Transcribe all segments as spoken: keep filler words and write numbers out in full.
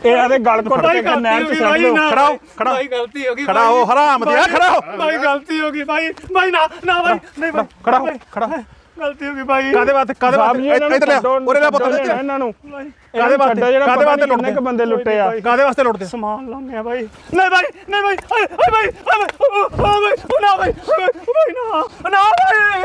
ਇਹ ਆਦੇ ਗਲ ਘੁੱਟ ਕੇ ਨੈਣ ਚ ਸੱਟ ਦਿਓ। ਖੜਾ ਹੋ ਖੜਾ ਭਾਈ ਗਲਤੀ ਹੋ ਗਈ ਖੜਾ ਹੋ ਹਰਾਮ ਦਿਆ ਖੜਾ ਹੋ ਭਾਈ ਗਲਤੀ ਹੋ ਗਈ ਭਾਈ ਭਾਈ ਨਾ ਨਾ ਭਾਈ ਨਹੀਂ ਭਾਈ ਖੜਾ ਹੋ ਖੜਾ ਗਲਤੀ ਹੋ ਗਈ ਭਾਈ ਕਾਦੇ ਵਾਸਤੇ ਕਾਦੇ ਵਾਸਤੇ ਇੱਧਰ ਲੈ ਉਰੇ ਲੈ ਪੁੱਤ ਇਹਨਾਂ ਨੂੰ ਕਾਦੇ ਵਾਸਤੇ ਕਾਦੇ ਵਾਸਤੇ ਕਿੰਨੇ ਕ ਬੰਦੇ ਲੁੱਟੇ ਆ ਕਾਦੇ ਵਾਸਤੇ ਲੁੱਟਦੇ ਸਮਾਨ ਲਾਉਂਦੇ ਆ ਭਾਈ ਨਹੀਂ ਭਾਈ ਨਹੀਂ ਭਾਈ ਓਏ ਓਏ ਭਾਈ ਓਏ ਭਾਈ ਨਾ ਭਾਈ ਭਾਈ ਨਾ ਨਾ ਭਾਈ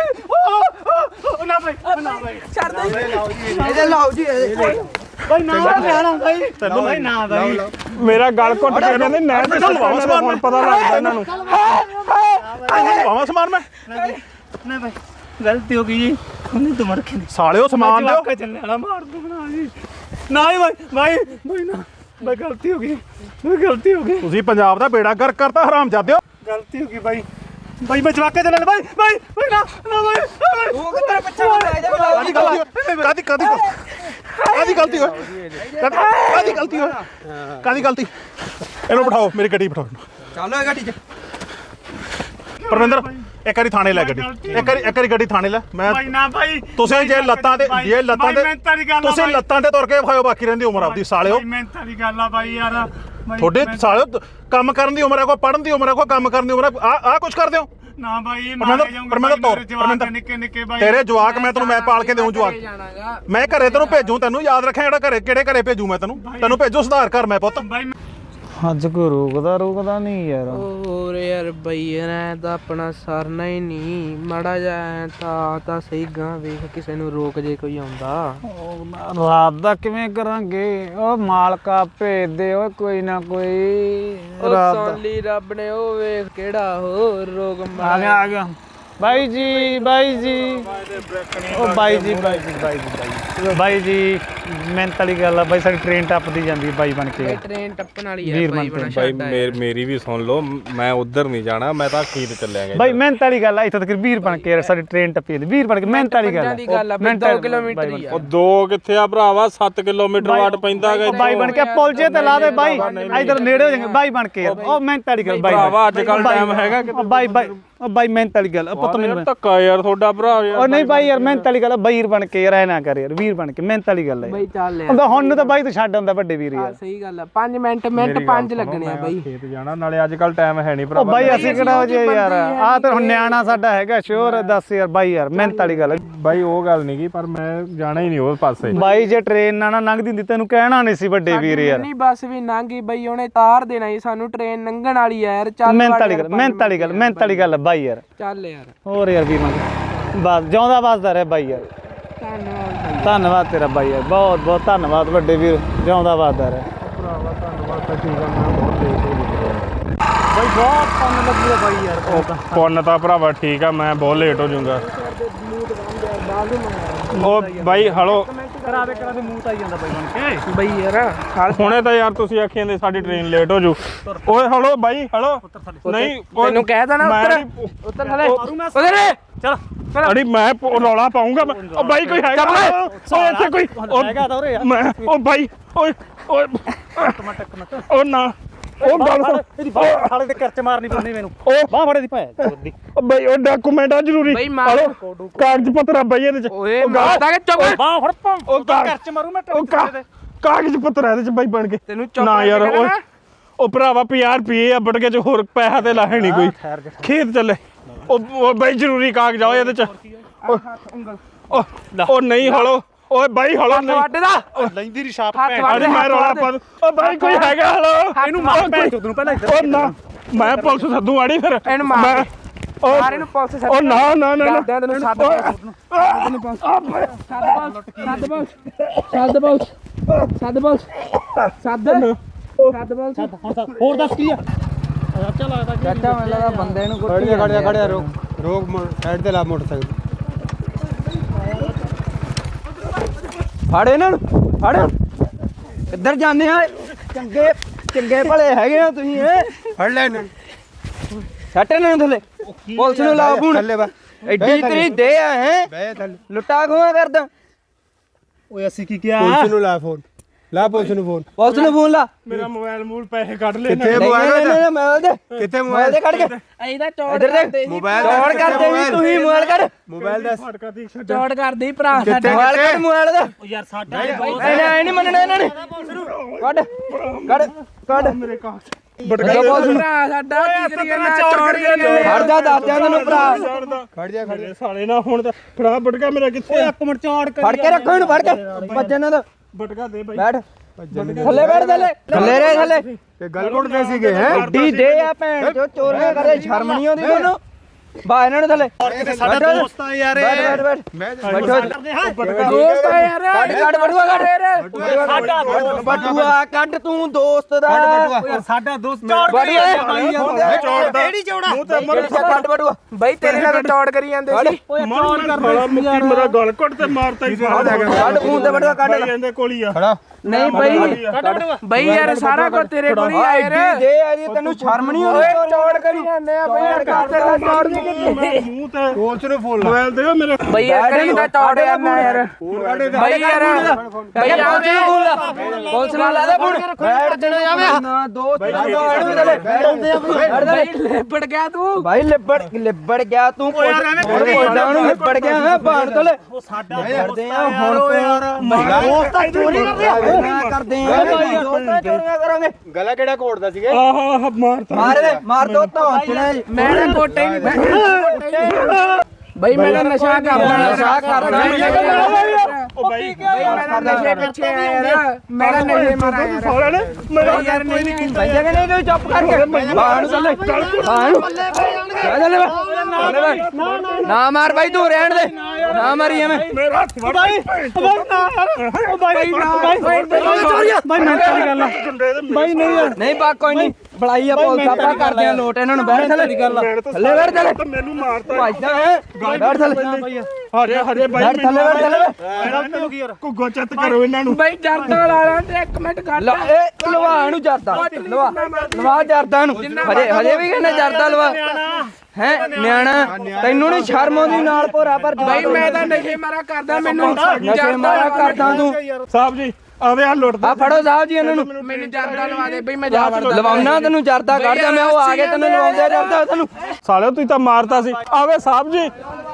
ਨਾ ਭਾਈ ਨਾ ਭਾਈ ਛੱਡ ਦੇ ਇਹਦੇ ਲਾਓ ਜੀ ਭਾਈ ਨਾ ਲੈਣਾ ਭਾਈ ਤੈਨੂੰ ਭਾਈ ਨਾ ਭਾਈ ਮੇਰਾ ਗਲ ਘੁੱਟ ਕੇ ਕਹਿੰਦੇ ਨਹਿਰ ਤੇ ਸਮਾਨ ਹੁਣ ਪਤਾ ਲੱਗਦਾ ਇਹਨਾਂ ਨੂੰ ਪਾਵਾਂ ਸਮਾਨ ਮੈਂ ਨਹੀਂ ਭਾਈ ਗਲਤੀ ਹੋ ਗਈ ਜੀ ਉਹਨੇ ਤੋਂ ਮਰ ਕੇ ਸਾਲਿਓ ਸਮਾਨ ਦਿਓ ਜਵਾਕਾ ਚੱਲੇ ਵਾਲਾ ਮਾਰ ਦੂੰਗਾ ਜੀ ਨਾ ਹੀ ਭਾਈ ਭਾਈ ਭਾਈ ਨਾ ਭਾਈ ਗਲਤੀ ਹੋ ਗਈ ਮੇਰੀ ਗਲਤੀ ਹੋ ਗਈ ਤੁਸੀਂ ਪੰਜਾਬ ਦਾ ਬੇੜਾ ਗਰਕ ਕਰਤਾ ਹਰਾਮ ਜਾਦਿਓ ਗਲਤੀ ਹੋ ਗਈ ਭਾਈ ਭਾਈ ਮੈਂ ਜਵਾਕਾ ਚੱਲੇ ਭਾਈ ਭਾਈ ਭਾਈ ਨਾ ਨਾ ਭਾਈ ਉਹ ਕਿੱਧਰ ਪਿੱਛੇ ਨੂੰ ਲੈ ਜਾ ਕਾਦੀ ਗਲਤੀ ਕਾਦੀ ਕਾਦੀ ਕਾਦੀ ਗਲਤੀ ਹੋਈ ਕਾਦੀ ਗਲਤੀ ਹੋਈ ਕਾਦੀ ਗਲਤੀ ਇਹਨੂੰ ਬਿਠਾਓ ਮੇਰੀ ਗੱਡੀ ਬਿਠਾਓ ਚੱਲੋ ਇਹ ਗੱਡੀ 'ਚ ਪਰਵਿੰਦਰ ਇੱਕ ਵਾਰੀ ਥਾਣੇ ਲੈ ਗੱਡੀ ਇੱਕ ਵਾਰੀ ਇੱਕ ਵਾਰੀ ਗੱਡੀ ਥਾਣੇ ਲੈ ਮੈਂ ਭਾਈ ਨਾ ਭਾਈ ਤੁਸੀਂ ਜੇ ਲੱਤਾਂ ਤੇ ਜੇ ਲੱਤਾਂ ਤੇ ਤੁਸੀਂ ਲੱਤਾਂ ਤੇ ਤੁਰ ਕੇ ਖਾਓ ਬਾਕੀ ਰਹਿੰਦੀ ਉਮਰ ਆਪਦੀ ਸਾਲਿਓ ਮਿਹਨਤਾਂ ਦੀ ਗੱਲ ਆ ਭਾਈ ਯਾਰ ਤੁਹਾਡੇ ਸਾਲਿਓ ਕੰਮ ਕਰਨ ਦੀ ਉਮਰ ਹੈ ਕੋਈ ਪੜਨ ਦੀ ਉਮਰ ਹੈ ਕੋਈ ਕੰਮ ਕਰਨ ਦੀ ਉਮਰ ਹੈ ਆ ਆ ਕੁਝ ਕਰਦੇ ਹੋ ਨਾ ਭਾਈ ਪਰਮਿੰਦਰ ਪਰਮਿੰਦਰ ਤੋਰ ਪਰਮਿੰਦਰ ਨਿੱਕੇ ਨਿੱਕੇ ਭਾਈ ਤੇਰੇ ਜਵਾਕ ਮੈਂ ਤੈਨੂੰ ਮੈਂ ਪਾਲ ਕੇ ਦੇਉਂ ਜਵਾਕ ਮੈਂ ਘਰੇ ਤੈਨੂੰ ਭੇਜੂ ਤੈਨੂੰ ਯਾਦ ਰੱਖਿਆ ਜਿਹੜਾ ਘਰੇ ਕਿਹੜੇ ਘਰੇ ਭੇਜੂ ਮੈਂ ਤੈਨੂੰ ਤੈਨੂੰ ਭੇਜੂ ਸੁਧਾਰ ਕਰ ਮੈਂ ਪੁੱਤ ਅੱਜ ਕੋਈ ਰੋਕਦਾ ਰੋਕਦਾ ਨਹੀਂ ਯਾਰ ਹੋਰ ਯਾਰ ਬਈ ਐ ਤਾਂ ਆਪਣਾ ਸਰਨਾ ਹੀ ਨਹੀਂ ਮਾੜਾ ਜਾ ਤਾਂ ਤਾਂ ਸਹੀ ਗਾਂ ਵੇਖ ਕਿਸੇ ਨੂੰ ਰੋਕ ਜੇ ਕੋਈ ਆਉਂਦਾ ਰਾਤ ਦਾ ਕਿਵੇਂ ਕਰਾਂਗੇ ਉਹ ਮਾਲਕਾ ਭੇਜ ਦੇ ਓਏ ਕੋਈ ਨਾ ਕੋਈ ਉਹ ਰਾਤ ਦਾ ਸੁਣ ਲਈ ਰੱਬ ਨੇ ਉਹ ਵੇਖ ਕਿਹੜਾ ਹੋਰ ਰੋਗ ਆ ਗਿਆ ਆ ਗਿਆ ਬਾਈ ਜੀ ਬਾਈ ਜੀ ਉਹ ਬਾਈ ਜੀ ਬਾਈ ਜੀ ਬਾਈ ਜੀ ਬਾਈ ਬਾਈ ਜੀ ਮਿਹਨਤ ਵਾਲੀ ਗੱਲ ਆ ਬਾਈ ਸਾਡੀ ਟ੍ਰੇਨ ਟੱਪਦੀ ਜਾਂਦੀ ਬਾਈ ਬਣ ਕੇ ਟ੍ਰੇਨ ਟੱਪਣ ਵਾਲੀ ਹੈ ਵੀਰ ਬਾਈ ਬਣ ਕੇ ਭਾਈ ਮੇਰ- ਮੇਰੀ ਵੀ ਸੁਣ ਲਓ ਮੈਂ ਉਧਰ ਨਹੀਂ ਜਾਣਾ ਮੈਂ ਤਾਂ ਖੀਰ ਚੱਲਿਆ ਗਿਆ ਬਾਈ ਮਿਹਨਤ ਵਾਲੀ ਗੱਲ ਆ ਇੱਥੇ ਤੱਕ ਵੀਰ ਬਣ ਕੇ ਯਾਰ ਸਾਡੀ ਟ੍ਰੇਨ ਟੱਪੀ ਜਾਂਦੀ ਵੀਰ ਬਣ ਕੇ ਮਿਹਨਤ ਵਾਲੀ ਗੱਲ ਦੀ ਗੱਲ ਆ ਬਈ ਦੋ ਕਿਲੋਮੀਟਰ ਹੀ ਆ ਉਹ ਦੋ ਕਿੱਥੇ ਆ ਭਰਾਵਾ ਸੱਤ ਕਿਲੋਮੀਟਰ ਵਾਟ ਪੈਂਦਾ ਹੈਗਾ ਬਾਈ ਬਣ ਕੇ ਪੁੱਲ ਜੇ ਤੇ ਲਾ ਦੇ ਬਾਈ ਇਧਰ ਨੇੜੇ ਹੋ ਜਾਣਗੇ ਬਾਈ ਬਣ ਕੇ ਯਾਰ ਉਹ ਮਿਹਨਤ ਵਾਲੀ ਗੱਲ ਬਾਈ ਭਰਾਵਾ ਅੱਜ ਕੱਲ ਟਾਈਮ ਹੈਗਾ ਉਹ ਬਾਈ ਬਾਈ ਉਹ ਬਾਈ ਮਿਹਨਤ ਵਾਲੀ ਗੱਲ ਪੁੱਤ ਮੈਨੂੰ ਧੱਕਾ ਯਾਰ ਤੁਹਾਡਾ ਭਰਾ ਯਾਰ ਉਹ ਨਹੀਂ ਬਾਈ ਯਾਰ ਮਿਹਨਤ ਵਾਲੀ ਗੱਲ ਆ ਵੀਰ ਬਣ ਕੇ ਯਾਰ ਐ ਨਾ ਕਰ ਯਾਰ ਵੀਰ ਬਣ ਕੇ ਮਿਹਨਤ ਵਾਲੀ ਗੱਲ ਹੈ ਬਈ ਚੱਲ ਯਾਰ ਹੁੰਦਾ ਹੁਣ ਨੂੰ ਤਾਂ ਬਾਈ ਤੂੰ ਛੱਡ ਆਉਂਦਾ ਵੱਡੇ ਵੀਰ ਯਾਰ ਸਹੀ ਗੱਲ ਆ ਪੰਜ ਮਿੰਟ ਮਿੰਟ ਪੰਜ ਲੱਗਣੇ ਆ ਬਈ ਖੇਤ ਜਾਣਾ ਨਾਲੇ ਅੱਜ ਕੱਲ ਟਾਈਮ ਹੈ ਨਹੀਂ ਉਹ ਭਰਾਵਾ ਬਾਈ ਅਸੀਂ ਕਿਹੜਾ ਹੋ ਜੇ ਯਾਰ ਆ ਤੇ ਹੁਣ ਨਿਆਣਾ ਸਾਡਾ ਹੈਗਾ ਸ਼ੋਰ ਦੱਸ ਯਾਰ ਬਾਈ ਯਾਰ ਮਿਹਨਤ ਵਾਲੀ ਗੱਲ ਬਾਈ ਉਹ ਗੱਲ ਨਹੀਂ ਗੀ ਪਰ ਮੈਂ ਜਾਣਾ ਹੀ ਨਹੀਂ ਉਹ ਪਾਸੇ ਬਾਈ ਜੇ ਟ੍ਰੇਨ ਨਾ ਨਾ ਲੰਘਦੀ ਹੁੰਦੀ ਤੈਨੂੰ ਕਹਿਣਾ ਨਹੀਂ ਸੀ ਵੱਡੇ ਵੀਰ ਯਾਰ ਨਹੀਂ ਬੱਸ ਵੀ ਲੰਘ ਗਈ ਬਈ ਉਹਨੇ ਤਾਰ ਦੇਣਾ ਸੀ ਸਾਨੂੰ ਟ੍ਰੇਨ ਲੰਘਣ ਵਾਲੀ ਆ ਯਾਰ ਚੱਲ ਮਿਹਨਤ ਵਾਲੀ ਗੱਲ ਮਿਹਨਤ ਵਾਲੀ ਗੱਲ ਮਿਹਨਤ ਵਾਲੀ ਗੱਲ ਬਾਈ ਯਾਰ ਚੱਲ ਯਾਰ ਹੋਰ ਯਾਰ ਵੀਰ ਮੰਗ ਬਸ ਜਿਉਂਦਾ ਵਸਦਾ ਰਹਿ ਬਾਈ ਯਾਰ ਧੰਨਵਾਦ ਧੰਨਵਾਦ ਤੇਰਾ ਬਾਈ ਯਾਰ ਬਹੁਤ ਬਹੁਤ ਧੰਨਵਾਦ ਵੱਡੇ ਵੀਰ ਜਿਉਂਦਾ ਵਸਦਾ ਰਹਿ ਭਰਾਵਾ ਧੰਨਵਾਦ ਤਾਂ ਠੀਕ ਆ ਮੈਂ ਬਹੁਤ ਲੇਟ ਹੋ ਗਿਆ ਬਾਈ ਬਹੁਤ ਕੰਮ ਲੱਗੂਗਾ ਬਾਈ ਯਾਰ ਪੁੰਨ ਤਾਂ ਭਰਾਵਾ ਠੀਕ ਆ ਮੈਂ ਬਹੁਤ ਲੇਟ ਹੋ ਜਾਊਂਗਾ ਉਹ ਬਾਈ ਹਲੋ ਕਰਾ ਦੇ ਕਰਾ ਦੇ ਮੂੰਹ ਤਾਂ ਆਈ ਜਾਂਦਾ ਬਾਈ ਬਣ ਕੇ ਬਈ ਯਾਰ ਹੁਣੇ ਤਾਂ ਯਾਰ ਤੁਸੀਂ ਆਖੀ ਜਾਂਦੇ ਸਾਡੀ ਟ੍ਰੇਨ ਲੇਟ ਹੋ ਜੂ ਓਏ ਹਲੋ ਬਾਈ ਹਲੋ ਨਹੀਂ ਓਏ ਤੈਨੂੰ ਕਹਿ ਦੇਣਾ ਮੈਂ ਉੱਤਰ ਨਹੀਂ- ਉੱਤਰ ਥਲੇ ਉਧਰ ਚਲ ਅੜੀ ਮੈਂ ਪ- ਰੌਲਾ ਪਾਉਂਗਾ ਮੈਂ। ਉਹ ਬਾਈ ਕੋਈ ਹੈਗਾ ਓਏ ਇੱਥੇ ਕੋਈ ਉਹ- ਹੈਗਾ ਤਾਂ ਉਰੇ ਯਾਰ ਮੈਂ ਉਹ ਬਾਈ ਓਏ ਓਏ ਉਹ ਨਾ ਉਹ ਗੱਲ ਸੁਣ। ਇਹਦੀ ਬਾਹ ਸਾਲੇ ਤੇ ਕਰਚ ਮਾਰਨੀ ਪੈਂਦੀ ਮੈਨੂੰ ਉਹ ਬਾਹ ਫੜੇ ਦੀ ਭਾਇਆ ਚੋਰ ਦੀ ਉਹ ਬਾਈ ਉਹ ਡਾਕੂਮੈਂਟ ਆ ਜ਼ਰੂਰੀ ਬਈ ਮਾਰ। ਹਲੋ ਕਾਗਜ਼ ਪੱਤਰ ਆ ਬਾਈ ਇਹਦੇ ਚ ਓਏ ਉਹ ਗਾ- ਮਾਰਦਾ ਕਿ ਚੁੱਪ ਬਾਹ ਫੜ ਪਾ ਉਹ ਕਾਗਜ਼ ਕਰਚ ਮਾਰੂ ਮੈਂ ਉਹ ਕਾ- ਕਾਗਜ਼ ਪੱਤਰ ਆ ਇਹਦੇ ਚ ਬਾਈ ਬਣ ਕੇ ਤੈਨੂੰ ਚੁੱਪ ਨਾ ਯਾਰ ਕਰਕੇ ਓਏ ਕਹਿਣਾ। ਉਹ ਭਰਾਵਾ ਪੰਜਾਹ ਰੁਪਏ ਆ ਬਟਕੇ ਚ ਹੋਰ ਪੈਸਾ ਤੇ ਲਾਹੇ ਨਹੀਂ ਕੋਈ ਖੇਤ ਚੱਲੇ ਉਹ ਉਹ ਬਾਈ ਜ਼ਰੂਰੀ ਕਾਗਜ਼ ਆ ਇਹਦੇ ਚ ਉਹ ਉਹ ਨਹੀਂ ਹਲੋ ਓਏ ਬਾਈ ਹਲੋ ਨਹੀਂ ਵੱਡ ਦਾ ਲੈਂਦੀ ਰੀ ਛਾਪ ਹੱਥ ਵੱਢ ਅਰੇ ਦੇ, ਮੈਂ ਹੱਥ ਰੌਲਾ ਵੱਢ ਪਾ ਦੇ। ਦੂੰ। ਓ ਬਾਈ ਕੋਈ ਹੈਗਾ ਹਲੋ ਇਹਨੂੰ ਮਾਰ ਭੈਣ ਚੋਦ ਨੂੰ ਪਹਿਲਾਂ ਇੱਧਰ ਉਹ ਨਾ ਮੈਂ ਪੁਲਿਸ ਸੱਦੂ ਆੜੀ ਫਿਰ ਇਹਨੂੰ ਮਾਰ ਮੈਂ- ਉਹ- ਮਾਰ ਇਹਨੂੰ ਪੁਲਿਸ ਸੱਦ ਉਹ ਨਾ ਨਾ ਨਾ ਨਾ ਦੱਸਦਿਆਂ ਤੈਨੂੰ ਸੱਦ ਤੈਨੂੰ ਪੁਲਿਸ ਸੱਦ ਪੁਲਿਸ ਸੱਦ ਪੁਲਿਸ ਸੱਦ ਪੁਲਿਸ ਸੱਦ ਸੱਦ ਪੁਲਿਸ ਹੋਰ ਦੱਸ ਕੀ ਆ ਚਾਚਾ ਮੈਨੂੰ ਲੱਗਦਾ ਬੰਦੇ ਨੂੰ ਖੜ ਜਾ ਖੜ ਜਾ ਖੜ ਜਾ ਰੋਕ ਰੋਕ ਸਾਈਡ ਤੇ ਲਾ ਮੋਟਰਸਾਈਕਲ ਫੜ ਇਹਨਾਂ ਨੂੰ ਫੜ ਕਿੱਧਰ ਜਾਂਦੇ ਆ ਚੰਗੇ ਚੰਗੇ ਭਲੇ ਹੈਗੇ ਆ ਤੁਸੀਂ ਇਹ ਫੜ ਲੈ ਇਹਨੂੰ ਛੱਟ ਇਹਨਾਂ ਨੂੰ ਥੱਲੇ ਪੁਲਿਸ ਨੂੰ ਲਾਓ ਫੋਨ ਥੱਲੇ ਬੈ ਐਡੀ ਤੇਰੀ ਦੇ ਆ ਹੈ ਬੈ ਥੱਲੇ ਲੁੱਟਾ ਖੋਆ ਕਰਦਾ ਓਏ ਅਸੀਂ ਕੀ ਕਿਹਾ ਪੁਲਿਸ ਨੂੰ ਲਾ ਫੋਨ ਲਾ ਪੁਲਿਸ ਨੂੰ ਫੋਨ ਪੁਲਿਸ ਨੂੰ ਫੋਨ ਲਾ ਮੇਰਾ ਮੋਬਾਈਲ ਮੂਲ ਪੈਸੇ ਕੱਢ ਲੈ ਕਿੱਥੇ ਮੋਬਾਈਲ ਨਹੀਂ ਮੋਬਾਈਲ ਦੇ ਕਿੱਥੇ ਮੋਬਾਈਲ ਦੇ ਕੱਢ ਕੇ ਇਹਦਾ ਚੌੜ ਇੱਧਰ ਕਰਦੇ ਦੇ ਸੀ ਮੋਬਾਈਲ ਚੌੜ ਕਰਦੇ ਸੀ ਤੁਸੀਂ ਮੋਬਾਈਲ ਕੱਢ ਮੋਬਾਈਲ ਦਾ ਫਟਕਾ ਦੀ ਛੱਡ ਚੌੜ ਕਰਦੇ ਸੀ ਭਰਾ ਸਾਡਾ ਮੋਬਾਈਲ ਕੱਢ ਮੋਬਾਈਲ ਦਾ ਯਾਰ ਸਾਡਾ ਇਹਨੇ ਨਹੀਂ ਮੰਨਣਾ ਇਹਨਾਂ ਨੇ ਕੱਢ ਕੱਢ ਕੱਢ ਮੇਰੇ ਕਾਗਜ਼ ਭਰਾ ਸਾਡਾ ਕੀ ਕਰੀ ਜਾਂਦਾ ਚੌੜ ਕਰੀ ਜਾਂਦਾ ਖੜ ਜਾ ਦੱਸਦਿਆਂ ਤੈਨੂੰ ਭਰਾ ਖੜ ਜਾ ਖੜ ਮੇਰੇ ਸਾਲੇ ਨਾ ਹੁਣ ਤਾਂ ਫੜਾ ਬਟਕਾ ਮੇਰਾ ਕਿੱਥੇ ਆ? ਇੱਕ ਮਿੰਟ ਚੌੜ ਫੜ ਕੇ ਰੱਖੋ ਇਹਨੂੰ ਫੜ ਕੇ ਭੱਜਣ ਨਾ ਦੋ ਬਟਕਾ ਦੇ ਬਾਈ ਬੈਠ ਥੱਲੇ ਬੈਠ ਥੱਲੇ ਥੱਲੇ ਰੇ ਥੱਲੇ ਤੇ ਗੱਲ ਘੁੱਟਦੇ ਸੀਗੇ ਹੈ ਗੱਡੀ ਦੇ ਆ ਭੈਣ ਚੋ ਚੋਰੀਆਂ ਕਰੇ ਸ਼ਰਮ ਨਹੀਂ ਆਉਂਦੀ ਤੁਹਾਨੂੰ ਬਾ ਇਹਨਾਂ ਨੂੰ ਥੱਲੇ ਸਾਡਾ ਦੋਸਤ ਆ ਯਾਰ ਬੈਠ ਬੈਠ ਬੈਠ ਬੈਠੋ ਦੋਸਤ ਆ ਯਾਰ ਕੱਢ ਕੱਢ ਬਟੂਆ ਕੱਢ ਬਟੂਆ ਕੱਢ ਤੂੰ ਦੋਸਤ ਦਾ ਯਾਰ ਸਾਡਾ ਦੋਸਤ ਚੌੜ ਕਰੀ ਬਟੂਆ ਜਾਂਦਾ ਕਿਹੜੀ ਚੌੜਾ ਮੂੰਹ ਤੇ ਮਰ ਕੱਢ ਬਟੂਆ ਬਈ ਤੇਰੇ ਨਾਲ ਤਾਂ ਚੌੜ ਕਰੀ ਜਾਂਦੇ ਸੀ ਮਰ ਸਾਲਾ ਮੁੱਕੀ ਮੇਰਾ ਗਲ ਘੁੱਟ ਤੇ ਮਾਰਤਾ ਹੀ ਸਾਲਾ ਕੱਢ ਮੂੰਹ ਤੇ ਬਟੂਆ ਕੱਢ ਬਾਈ ਇਹਦੇ ਕੋਲ ਹੀ ਆ ਖੜਾ ਨਹੀਂ ਬਈ ਬਈ ਯਾਰ ਸਾਰਾ ਕੁਝ ਤੇਰੇ ਕੋਲ ਹੀ ਆ ਯਾਰ ਗੱਡੀ ਦੇ ਆ ਜੀ ਤੈਨੂੰ ਸ਼ਰਮ ਨਹੀਂ ਆਉਂਦੀ ਚੌੜ ਕਰੀ ਜਾਂਦੇ ਆ ਬਈ ਯਾਰ ਕਰਦੇ ਦਾ ਚੌੜ ਨਹੀਂ ਮੈਂ ਮੂੰਹ ਤੇ ਪੁਲਿਸ ਨੂੰ ਫੋਨ ਲਾ ਮੋਬਾਈਲ ਦਿਓ ਮੇਰੇ ਬਈ ਯਾਰ ਕਰੀ ਦਾ ਚੌੜ ਕਰਨਾ ਯਾਰ ਬਈ ਯਾਰ ਬਈ ਯਾਰ ਪੁਲਿਸ ਨਾਲ ਲਾ ਦੇ ਫੋਨ ਬੈਠ ਜਣਾ ਜਾਵੇ ਨਾ ਦੋਸਤ ਬਈ ਲਿਪੜ ਗਿਆ ਤੂੰ ਭਾਈ ਲਿਬੜ ਲਿਬੜ ਗਿਆ ਤੂੰ ਪੁੱਛਦਾ ਨੂੰ ਲਿਬੜ ਗਿਆ ਹੈ ਬਾਣ ਤੋਂ ਲੈ ਸਾਡਾ ਕਰਦੇ ਆ ਹੁਣ ਤੋਂ ਦੋਸਤ ਚੋਰੀ ਕਰਦੇ ਆ ਕਰਦੇ ਆ ਭਾਈ ਦੋਸਤ ਚੋਰੀਆਂ ਕਰਾਂਗੇ ਗਲਾ ਕਿਹੜਾ ਘੋੜਦਾ ਸੀਗੇ ਆਹ ਆਹ ਮਾਰਤਾ ਮਾਰ ਦੇ ਮਾਰ ਦੋ ਤਾਂ ਮੈਂ ਤਾਂ ਕੋਟੇ ਹੀ ਨਹੀਂ ਬਈ ਮੈਂ ਤਾਂ ਨਸ਼ਾ ਕਰਦਾ ਨਸ਼ਾ ਕਰਦਾ ਉਹ ਬਾਈ ਮੈਂ ਤਾਂ ਨਸ਼ੇ ਪਿੱਛੇ ਆ ਯਾਰ ਮੈਂ ਤਾਂ ਨਸ਼ੇ ਮਾਰਾ ਯਾਰ ਸਾਲੇ ਨੇ ਮੇਰਾ ਯਾਰ ਨਹੀਂ ਨਹੀਂ ਭਾਈ ਜਗ੍ਹਾ ਨਹੀਂ ਤੂੰ ਚੁੱਪ ਕਰਕੇ ਬਾਣ ਚੱਲੇ ਬਾਣ ਚੱਲੇ ਨਾ ਮਾਰ ਭਾਈ ਤੂੰ ਰਹਿਣ ਦੇ ਨਾ ਮਾਰੀ ਐਵੇਂ ਮੇਰਾ ਹੱਥ ਵੜ ਬਾਈ ਬਾਈ ਬਾਈ ਭਾਈ ਮੈਂ ਤੇਰੀ ਗੱਲ ਬਾਈ ਨਹੀਂ ਨਹੀਂ ਬਾ ਕੋਈ ਨਹੀਂ ਬੜਾਈ ਆ ਪੁਲਿਸ ਆਪਾਂ ਕਰਦੇ ਆ ਲੋਟ ਇਹਨਾਂ ਨੂੰ ਬੈਠ ਥੱਲੇ ਦੀ ਗੱਲ ਥੱਲੇ ਬੈਠ ਥੱਲੇ ਮੈਨੂੰ ਮਾਰਤਾ ਭਾਈਦਾ ਹੈ ਬੈਠ ਥੱਲੇ ਹਰੇ ਹਰੇ ਬਾਈ ਬੈਠ ਥੱਲੇ ਬੈਠ ਥੱਲੇ ਕੁੱਗੋ ਚੱਤ ਕਰੋ ਇਹਨਾਂ ਨੂੰ ਬਾਈ ਜਰਦਾ ਲਾ ਤੇ ਇੱਕ ਮਿੰਟ ਕਰ ਲਾ ਇਹ ਲਵਾ ਨੂੰ ਜਰਦਾ ਲਵਾ ਲਵਾ ਜਰਦਾ ਨੂੰ ਹਜੇ ਹਜੇ ਵੀ ਕਹਿੰਦਾ ਜਰਦਾ ਲਵਾ ਹੈ ਨਿਆਣਾ ਤੈਨੂੰ ਨਹੀਂ ਸ਼ਰਮ ਆਉਂਦੀ ਨਾਲ ਭੋਰਾ ਪਰ ਬਾਈ ਮੈਂ ਤਾਂ ਨਸ਼ੇ ਮਾਰਾ ਕਰਦਾ ਮੈਨੂੰ ਨਸ਼ੇ ਮਾਰਾ ਕਰਦਾ ਤੂੰ ਸਾਹਿਬ ਜੀ ਆਵੇ ਆ ਲੁੱਟਦਾ ਆ ਫੜੋ ਸਾਹਿਬ ਜੀ ਇਹਨਾਂ ਨੂੰ ਮੈਨੂੰ ਜਰਦਾ ਲਵਾ ਦੇ ਬਈ ਮੈਂ ਜਾ ਵੜਦਾ ਲਵਾਉਣਾ ਤੈਨੂੰ ਜਰਦਾ ਕੱਢ ਜਾ ਮੈਂ ਉਹ ਆ ਗਿਆ ਤੈਨੂੰ ਲਵਾਉਂਦੇ ਜਰਦਾ ਤੈਨੂੰ ਸਾਲਿਓ ਤੁਸੀਂ ਤਾਂ ਮਾਰਤਾ ਸੀ ਆਵੇ ਸਾਹਿਬ ਜੀ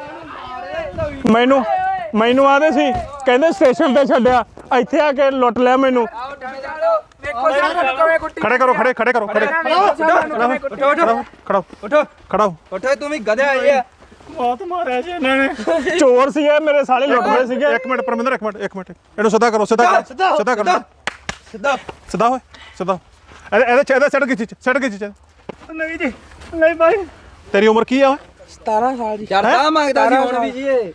ਮੈਨੂੰ ਮੈਨੂੰ ਆਦੇ ਸੀ ਕਹਿੰਦੇ ਸਟੇਸ਼ਨ ਤੇ ਛੱਡਿਆ ਇੱਥੇ ਆ ਕੇ ਲੁੱਟ ਲਿਆ ਮੈਨੂੰ ਵੇਖੋ ਜਰਾ ਕਿਵੇਂ ਕੁੱਟੀ ਖੜੇ ਕਰੋ ਖੜੇ ਖੜੇ ਕਰੋ ਖੜੇ ਉਠੋ ਉਠੋ ਖੜਾਓ ਉਠੋ ਖੜਾਓ ਉਠੋ ਤੂੰ ਵੀ ਗਧਿਆ ਆਏ ਆ ਬਹੁਤ ਮਾਰਿਆ ਜੀ ਇਹਨਾਂ ਨੇ ਚੋਰ ਸੀਗੇ ਮੇਰੇ ਸਾਲੇ ਲੁੱਟ ਰਹੇ ਸੀਗੇ ਇੱਕ ਮਿੰਟ ਪਰਮਿੰਦਰ ਇੱਕ ਮਿੰਟ ਇੱਕ ਮਿੰਟ ਇਹਨੂੰ ਸਿੱਧਾ ਕਰੋ ਸਿੱਧਾ ਕਰੋ ਸਿੱਧਾ ਕਰੋ ਸਿੱਧਾ ਸਿੱਧਾ ਹੋਏ ਸਿੱਧਾ ਇਹਦੇ ਇਹਦੇ ਚ ਇਹਦੇ ਸੜ ਗਈ ਚੀਜ਼ ਸੜ ਗਈ ਚੀਜ਼ ਨਹੀਂ ਜੀ ਨਹੀਂ ਬਾਈ ਤੇਰੀ ਉਮਰ ਕੀ ਆ ਸਤਾਰਾਂ ਸਾਲ ਦੀ ਜਰਦਾ ਮੰਗਦਾ ਸੀ ਹੁਣ ਵੀ ਜੀ ਇਹ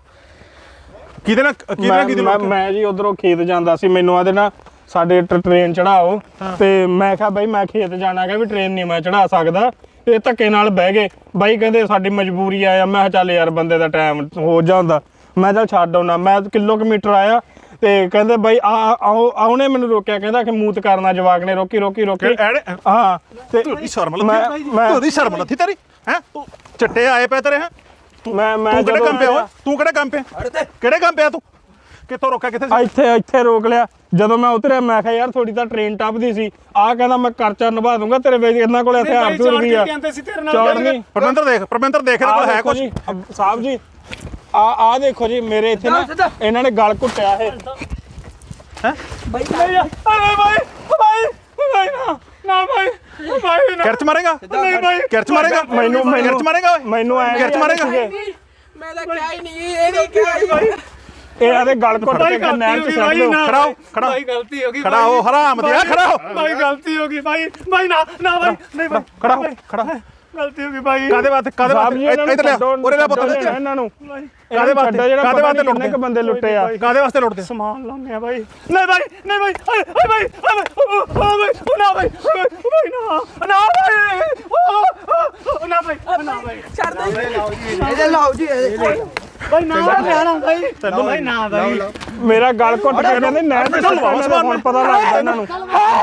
ਕਿਹਦੇ ਨਾਲ ਕਿਹਦੇ ਨਾਲ ਕਿਹਦੇ ਮੈਂ ਨਾਲ ਮੈਂ ਜੀ ਉਧਰੋਂ ਖੇਤ ਜਾਂਦਾ ਸੀ ਮੈਨੂੰ ਆਦੇ ਨਾ ਸਾਡੇ ਟ੍ਰੇਨ ਚੜਾਓ ਤੇ ਮੈਂ ਕਿਹਾ ਬਾਈ ਮੈਂ ਖੇਤ ਜਾਣਾ ਹੈਗਾ ਵੀ ਟ੍ਰੇਨ ਨਹੀਂ ਮੈਂ ਚੜਾ ਸਕਦਾ ਇਹ ਧੱਕੇ ਨਾਲ ਬਹਿ ਗਏ ਬਾਈ ਕਹਿੰਦੇ ਸਾਡੀ ਮਜਬੂਰੀ ਆਇਆ ਮੈਂ ਕਿਹਾ ਚੱਲ ਯਾਰ ਬੰਦੇ ਦਾ ਟਾਈਮ ਹੋ ਜਾਂਦਾ ਮੈਂ ਚੱਲ ਛੱਡ ਆਉਣਾ ਮੈਂ ਕਿਲੋਮੀਟਰ ਆਇਆ ਤੇ ਕਹਿੰਦੇ ਬਾਈ ਆ ਆਓ ਆਉਣੇ ਮੈਨੂੰ ਰੋਕਿਆ ਕਹਿੰਦਾ ਕਿ ਮੂਤ ਕਰਨਾ ਜਵਾਕ ਨੇ ਰੋਕੀ ਰੋਕੀ ਰੋਕੀ ਹਾਂ ਤੇ ਤੇਰੀ ਸ਼ਰਮ ਮੈਂ ਲੱਥੀ ਮੈਂ ਤੇਰੀ ਸ਼ਰਮ ਲੱਥੀ ਤੇਰੀ ਹੈ ਤੂੰ ਚਿੱਟੇ ਆਏ ਪਏ ਤੇਰੇ ਹੈ ਮੈਂ ਮੈਂ ਤੂੰ ਕਿਹੜੇ ਜਦੋਂ ਕੰਮ ਪਿਆ ਓਏ ਤੂੰ ਕਿਹੜੇ ਕੰਮ ਪਿਆ ਕਿਹੜੇ ਕੰਮ ਪਿਆ ਤੂੰ ਕਿੱਥੋਂ ਰੋਕਿਆ ਕਿੱਥੇ ਸੀ ਇੱਥੇ ਇੱਥੇ ਰੋਕ ਲਿਆ ਜਦੋਂ ਮੈਂ ਉਤਰਿਆ ਮੈਂ ਕਿਹਾ ਯਾਰ ਥੋੜੀ ਤਾਂ ਟ੍ਰੇਨ ਟੱਪਦੀ ਸੀ ਆਹ ਕਹਿੰਦਾ ਮੈਂ ਕਰਚਾ ਨਿਭਾ ਦੂੰਗਾ ਤੇਰੇ ਵੇਚ ਇਹਨਾਂ ਕੋਲ ਹਥਿਆਰ ਤੁਰ ਵੀ ਆ ਚੌੜ ਨਹੀਂ ਪਰਮਿੰਦਰ ਦੇਖ ਪਰਮਿੰਦਰ ਦੇਖ ਇਹਦੇ ਕੋਲ ਹੈ ਕੁਝ ਸਾਹਿਬ ਜੀ ਆ ਆ ਦੇਖੋ ਜੀ ਮੇਰੇ ਇੱਥੇ ਨਾ ਇਹਨਾਂ ਨੇ ਗਲ ਘੁੱਟਿਆ ਇਹ ਹੈ ਬਾਈ ਨਹੀਂ ਅਰੇ ਬਾਈ ਬਾਈ ਬਾਈ ਨਾ ਨਾ ਬਾਈ ਬਾਈ ਨਾ ਕਿਰਚ ਮਾਰੇਗਾ ਨਹੀਂ ਬਾਈ ਕਿਰਚ ਮਾਰੇਗਾ ਮੈਨੂੰ ਕਿਰਚ ਮਾਰੇਗਾ ਓਏ ਮੈਨੂੰ ਐ ਕਿਰਚ ਮਾਰੇਗਾ ਮੈਂ ਤਾਂ ਕਿਹਾ ਹੀ ਨਹੀਂ ਇਹ ਨਹੀਂ ਕਿਹਾ ਇਹ ਆਦੇ ਗਲ ਘੁੱਟ ਕੇ ਨਹਿਰ ਚ ਸੱਟ ਦਿਓ ਖੜਾਓ ਖੜਾ ਭਾਈ ਗਲਤੀ ਹੋ ਗਈ ਖੜਾ ਹੋ ਹਰਾਮ ਦਿਆ ਖੜਾ ਹੋ ਬਾਈ ਗਲਤੀ ਹੋ ਗਈ ਬਾਈ ਬਾਈ ਨਾ ਨਾ ਬਾਈ ਨਹੀਂ ਬਾਈ ਖੜਾ ਹੋ ਖੜਾ ਗਲਤੀ ਹੋ ਗਈ ਬਾਈ ਕਾਦੇ ਵਾਸਤੇ ਕਾਦੇ ਵਾਸਤੇ ਇੱਧਰ ਲਿਆ ਉਰੇ ਲੈ ਪੁੱਤ ਇਹਨਾਂ ਨੂੰ ਕਾਦੇ ਵਾਸਤੇ ਜਿਹੜਾ ਕਾਦੇ ਵਾਸਤੇ ਕਿੰਨੇ ਲੁੱਟਦੇ ਕ ਬੰਦੇ ਲੁੱਟੇ ਆ ਕਾਦੇ ਵਾਸਤੇ ਲੁੱਟਦੇ ਸਮਾਨ ਲਾਉਂਦੇ ਆ ਬਾਈ ਨਹੀਂ ਬਾਈ ਨਹੀਂ ਬਾਈ ਓਏ ਓਏ ਬਾਈ ਓਏ ਬਾਈ ਓ ਨਾ ਬਾਈ ਬਾਈ ਨਾ ਨਾ ਬਾਈ ਓ ਨਾ ਬਾਈ ਨਾ ਬਾਈ ਛੱਡ ਦੇ ਇਹਦੇ ਲਾਓ ਜੀ ਬਾਈ ਨਾ ਲੈਣਾ ਬਾਈ ਤੈਨੂੰ ਬਾਈ ਨਾ ਬਾਈ ਮੇਰਾ ਗਲ ਘੁੱਟ ਕੇ ਕਹਿੰਦੇ ਨਹਿਰ ਤੇ ਸੁੱਟਣਾ ਹੁਣ ਪਤਾ ਲੱਗਦਾ ਇਹਨਾਂ ਨੂੰ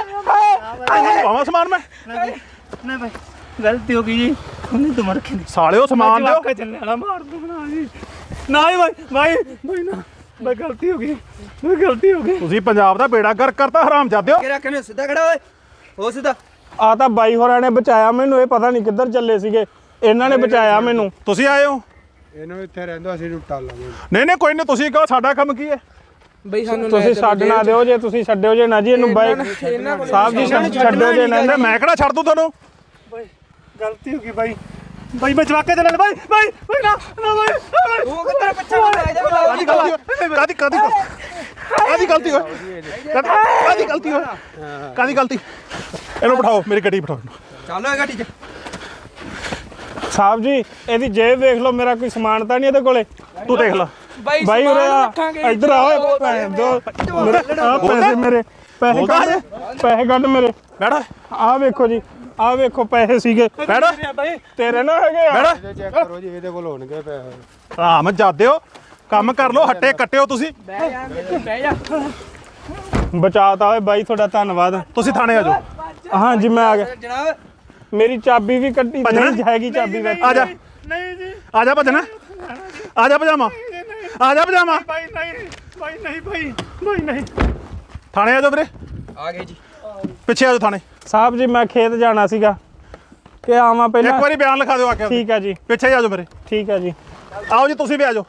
ਆਵਾਂ ਸਮਾਨ ਮੈਂ ਨਹੀਂ ਬਾਈ ਗਲਤੀ ਹੋ ਗਈ ਜੀ ਉਹਨੇ ਤਾਂ ਮਰ ਕੇ ਸਾਲਿਓ ਸਮਾਨ ਦਿਓ ਚੱਲੇ ਵਾਲਾ ਮਾਰ ਦੂੰਗਾ ਜੀ ਨਾ ਬਾਈ ਬਾਈ ਬਾਈ ਨਾ ਬਾਈ ਗਲਤੀ ਹੋ ਗਈ ਬਾਈ ਗਲਤੀ ਹੋ ਗਈ ਤੁਸੀਂ ਪੰਜਾਬ ਦਾ ਬੇੜਾ ਗਰਕ ਕਰਤਾ ਹਰਾਮਜ਼ਾਦਿਓ। ਕਿਹੜਾ ਕਿਵੇਂ ਸਿੱਧਾ ਖੜਾ ਓਏ ਹੋ ਸਿੱਧਾ ਆ ਤਾਂ ਬਾਈ ਹੋਰਾਂ ਨੇ ਬਚਾਇਆ ਮੈਨੂੰ, ਇਹ ਪਤਾ ਨਹੀਂ ਕਿੱਧਰ ਚੱਲੇ ਸੀਗੇ, ਇਹਨਾਂ ਨੇ ਬਚਾਇਆ ਮੈਨੂੰ। ਤੁਸੀਂ ਆਏ ਹੋ? ਇਹਨੂੰ ਇੱਥੇ ਰਹਿੰਦਾ ਅਸੀਂ ਲੁੱਟਾ ਲਾਂਗੇ। ਨਹੀਂ ਨਹੀਂ ਕੋਈ ਨਹੀਂ, ਤੁਸੀਂ ਕਹੋ ਸਾਡਾ ਕੰਮ ਕੀ ਹੈ। ਬਈ ਸਾਨੂੰ ਤੁਸੀਂ ਛੱਡ ਨਾ ਦਿਓ, ਜੇ ਤੁਸੀਂ ਛੱਡਿਓ ਜੇ ਨਾ ਜੀ ਇਹਨੂੰ ਬਾਈ ਸਾਹਿਬ ਜੀ ਛੱਡਿਓ ਜੇ ਨਾ। ਕਹਿੰਦੇ ਮੈਂ ਕਿਹੜਾ ਛੱਡ ਦੂੰ ਤੁਹਾਨੂੰ। ਬਾਈ ਗਲਤੀ ਹੋ ਗਈ ਬਾਈ ਬਾਈ ਮੈਂ ਜਵਾਕੇ ਦੇ ਨਾਲ ਬਾਈ ਬਾਈ ਬਾਈ ਨਾ ਨਾ ਬਾਈ ਬਾਈ। ਉਹ ਕਿੱਧਰ ਪਿੱਛੇ ਨੂੰ ਲੈ ਜਾ ਕਾਦੀ ਗਲਤੀ ਹੋਈ? ਕਾਦੀ ਕਾਦੀ ਕਾਦੀ ਗਲਤੀ ਹੋਈ? ਕਾਦੀ ਗਲਤੀ ਹੋਈ? ਕਾਦੀ ਗਲਤੀ? ਇਹਨੂੰ ਬਿਠਾਓ, ਮੇਰੀ ਗੱਡੀ ਬਿਠਾਓ। ਚੱਲ ਓਏ ਗੱਡੀ 'ਚ ਸਾਹਿਬ ਜੀ ਇਹਦੀ ਜੇਬ ਵੇਖ ਲਓ, ਮੇਰਾ ਕੋਈ ਸਮਾਨ ਤਾਂ ਨਹੀਂ ਇਹਦੇ ਕੋਲੇ। ਤੂੰ ਦੇਖ ਲੈ ਬਾਈ ਬਾਈ ਸਮਾਨ ਉਰੇ ਆ, ਰੱਖਾਂਗੇ ਇੱਧਰ ਆ ਓਏ ਭੈਣ ਦੋ ਮੇਰੇ ਆਹ ਪੈਸੇ ਮੇਰੇ ਪੈਸੇ ਕੱਢ ਪੈਸੇ ਕੱਢ ਮੇਰੇ। ਬੈਠ ਆਹ ਵੇਖੋ ਜੀ, ਆਹ ਵੇਖੋ ਪੈਸੇ ਸੀਗੇ ਬੈਠ ਤੇਰੇ ਨਾ ਹੈਗੇ ਆ। ਬੈਠ ਇਹ ਚੈੱਕ ਕਰੋ ਜੀ, ਇਹਦੇ ਕੋਲ ਹੋਣਗੇ ਪੈਸੇ। ਆਰਾਮ ਜਾਦਿਓ, ਕੰਮ ਕਰ ਲਓ, ਹੱਟੇ ਕੱਟਿਓ ਤੁਸੀਂ। ਬਹਿ ਜਾ ਬਹਿ ਜਾ ਬਚਾਤਾ ਓਏ ਬਾਈ, ਤੁਹਾਡਾ ਧੰਨਵਾਦ। ਤੁਸੀਂ ਥਾਣੇ ਆ ਜਾਓ। ਹਾਂ ਜੀ ਮੈਂ ਆ ਗਿਆ। ਜਨਾਬ ਮੇਰੀ ਚਾਬੀ ਵੀ ਕੱਢੀ ਭੱਜਣਾ? ਨਹੀਂ ਹੈਗੀ ਚਾਬੀ ਵਿੱਚ। ਆ ਜਾ ਨਹੀਂ ਜੀ ਆ ਜਾ ਭਜਣਾ, ਆ ਜਾ ਪਜਾਮਾ, ਆ ਜਾ ਪਜਾਮਾ। ਬਾਈ ਨਹੀਂ ਬਾਈ ਨਹੀਂ ਬਾਈ ਬਾਈ ਨਹੀਂ ਥਾਣੇ ਆ ਜਾਓ ਵੀਰੇ, ਆ ਗਏ ਜੀ ਪਿੱਛੇ ਆ ਜਾਓ ਥਾਣੇ। ਸਾਹਿਬ ਜੀ ਮੈਂ ਖੇਤ ਜਾਣਾ ਸੀਗਾ ਕਿ ਆਵਾਂ ਪਹਿਲਾਂ। ਇੱਕ ਵਾਰੀ ਬਿਆਨ ਲਿਖਾ ਦਿਓ ਆ ਕੇ। ਠੀਕ ਆ ਜੀ, ਪਿੱਛੇ ਆ ਜਾਓ ਮੇਰੇ। ਠੀਕ ਆ ਜੀ। ਆਓ ਜੀ ਤੁਸੀਂ ਵੀ ਆ ਜਾਓ।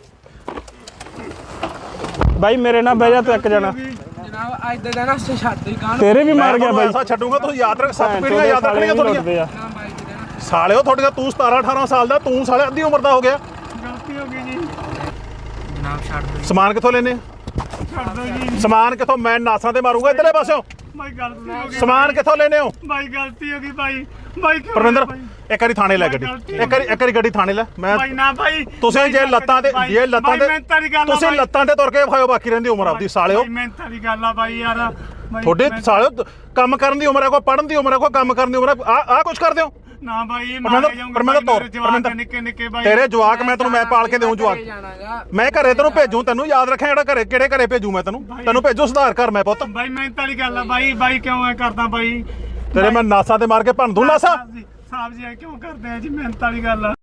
ਬਾਈ ਮੇਰੇ ਨਾਲ ਬਹਿ ਜਾ ਤੂੰ ਇੱਕ ਜਣਾ। ਜਨਾਬ ਅੱਜ ਦਾ ਦਿਨ ਅਸੀਂ ਛੱਡ ਹੀ ਕਾਹਨੂੰ ਤੇਰੇ ਵੀ ਮਾਰ ਗਿਆ ਬਾਈ। ਐਸਾ ਛੱਡੂਗਾ ਤੁਸੀਂ ਯਾਦ ਰੱਖ, ਸੱਤ ਭੈਣ ਪੀੜ੍ਹੀਆਂ ਯਾਦ ਚੋਦ ਰੱਖਣੀਆਂ ਸਾਲੇ ਤੁਹਾਡੀਆਂ। ਲੁੱਟਦੇ ਆ। ਨਾ ਬਾਈ ਦੇ ਦੇਣਾ ਸਾਲਿਓ ਤੁਹਾਡੀਆਂ, ਤੂੰ ਸਤਾਰਾਂ ਅਠਾਰਾਂ ਸਾਲ ਦਾ, ਤੂੰ ਸਾਲੇ ਅੱਧੀ ਉਮਰ ਦਾ ਹੋ ਗਿਆ। ਗਲਤੀ ਹੋ ਗਈ ਜੀ ਜਨਾਬ ਛੱਡ ਦਿਓ ਸਮਾਨ ਕਿੱਥੋਂ ਲੈਨੇ? ਛੱਡ ਦਿਓ ਜੀ ਸਮਾਨ ਕਿੱਥੋਂ? ਮੈਂ ਨਾਸਾਂ ਤੇ ਮਾਰੂੰਗਾ ਇਧਰਲੇ ਪਾਸਿਓਂ। ਬਾਈ ਗਲਤੀ ਹੋ ਗਈ ਸਮਾਨ ਕਿੱਥੋਂ ਲੈਨੇ ਹੋ? ਬਾਈ ਗਲਤੀ ਹੋ ਗਈ ਬਾਈ ਬਾਈ ਕਿਉਂ ਪਰਵਿੰਦਰ ਬਾਈ? ਇੱਕ ਵਾਰੀ ਥਾਣੇ ਲੈ ਗੱਡੀ, ਇੱਕ ਵਾਰੀ ਇੱਕ ਵਾਰੀ ਗੱਡੀ ਥਾਣੇ ਲੈ। ਮੈਂ ਬਾਈ ਨਾ ਬਾਈ ਤੁਸੀਂ ਜੇ ਲੱਤਾਂ ਤੇ ਜੇ ਲੱਤਾਂ ਤੇ ਤੁਸੀਂ ਲੱਤਾਂ ਤੇ ਤੁਰ ਕੇ ਵਿਖਾਓ, ਬਾਕੀ ਰਹਿੰਦੀ ਉਮਰ ਆਪਦੀ ਸਾਲਿਓ। ਮਿਹਨਤ ਦੀ ਗੱਲ ਆ ਬਾਈ ਯਾਰ ਬਾਈ ਤੁਹਾਡੇ ਮਿਹਨਤ- ਸਾਲਿਓ ਕੰਮ ਕਰਨ ਦੀ ਉਮਰ ਹੈ, ਕੋਈ ਪੜ੍ਹਨ ਦੀ ਉਮਰ ਹੈ, ਕੋਈ ਕੰਮ ਕਰਨ ਦੀ ਉਮਰ ਹੈ। ਆ ਆ ਕੁਛ ਕਰਦੇ ਹੋ? ਨਾ ਬਾਈ ਪਰਮਿੰਦਰ- ਮਾਰੇ ਜਾਊਂਗਾ ਪਰਮਿੰਦਰ ਤੋਰ, ਪਰਮਿੰਦਰ। ਨਿੱਕੇ ਨਿੱਕੇ ਬਾਈ ਤੇਰੇ ਜਵਾਕ ਮੈਂ ਤੈਨੂੰ ਮੈਂ ਪਾਲ ਕੇ ਦੇਉਂ ਜਵਾਕ। ਜਾਣਾਗਾ ਮੈਂ ਘਰੇ ਤੈਨੂੰ ਭੇਜੂ, ਤੈਨੂੰ ਯਾਦ ਰੱਖਿਆ ਜਿਹੜਾ ਘਰੇ ਕਿਹੜੇ ਘਰੇ ਭੇਜੂ ਮੈਂ ਤੈਨੂੰ। ਤੈਨੂੰ ਭੇਜੂ ਸੁਧਾਰ ਕਰ ਮੈਂ ਪੁੱਤ। ਬਾਈ ਮਿਹਨਤ ਵਾਲੀ ਗੱਲ ਆ ਬਾਈ ਬਾਈ ਕਿਉਂ ਐ ਕਰਦਾ ਬਾਈ? ਤੇਰੇ ਮੈਂ ਨਾਸਾਂ ਤੇ ਮਾਰ ਕੇ ਭੰਨ ਦੂੰ ਨਾਸਾਂ। ਸਾਹਿਬ ਜੀ ਸਾਹਿਬ ਜੀ ਐ ਕਿਉਂ ਕਰਦੇ ਆ ਜੀ ਮਿਹਨਤ ਵਾਲੀ ਗੱਲ ਆ।